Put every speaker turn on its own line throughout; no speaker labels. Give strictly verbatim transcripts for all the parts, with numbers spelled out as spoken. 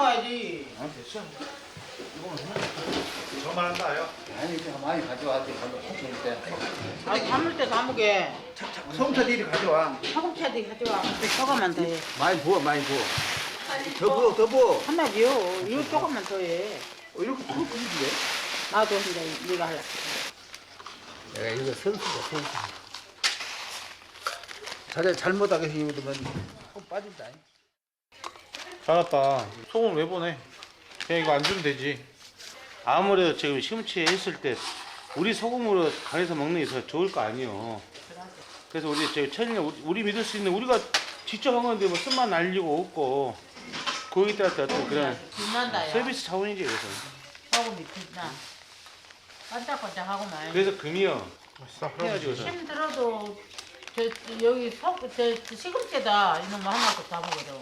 가야지.
아 됐어. 저만 한다요.
아니 이제 많이 가져와. 가서 콩 때.
아, 담을 때 담으게.
소금차 니리 가져와.
소금차도 가져와. 조금만 더 해.
많이 부어, 많이 부어. 더 부어, 더 부어.
하나지요. 이거 조금만 더 해.
어, 이렇게 부어 부는데?
나도 이제 네가 할라.
내가 이거 선수다, 선수. 자네 잘못하게 힘들면 꼭 빠진다.
잘났다. 소금 왜 보내? 그냥 이거 안 주면 되지. 아무래도 지금 시금치 했을 때 우리 소금으로 간해서 먹는 게 더 좋을 거 아니에요. 그래서 우리 저기 천일년 우리, 우리 믿을 수 있는 우리가 직접 한 건데 뭐 쓴맛 날리고 없고 거기 따라 어떤 그런
빛난다, 야.
서비스 차원이지 그래서.
소금이 빛나. 반짝반짝하고만.
그래서 금이요. 해야지 그래서.
힘들어도 저, 저 여기 속, 저, 저 시금치에다 이놈 하나씩 다 먹거든.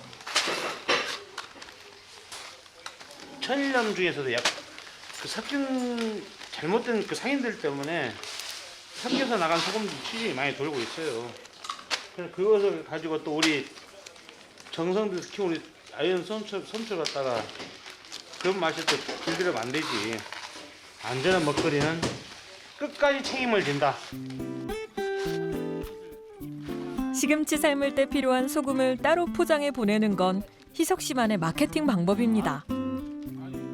천일염 중에서도 약 그 삭힌 잘못된 그 상인들 때문에 삭혀서 나간 소금 취급이 많이 돌고 있어요. 그래서 그것을 가지고 또 우리 정성들 특히 우리 아이언 솜철 솜철 갖다가 그런 맛을 또 길들여면 안 되지. 안전한 먹거리는 끝까지 책임을 진다.
시금치 삶을 때 필요한 소금을 따로 포장해 보내는 건 희석 씨만의 마케팅 방법입니다.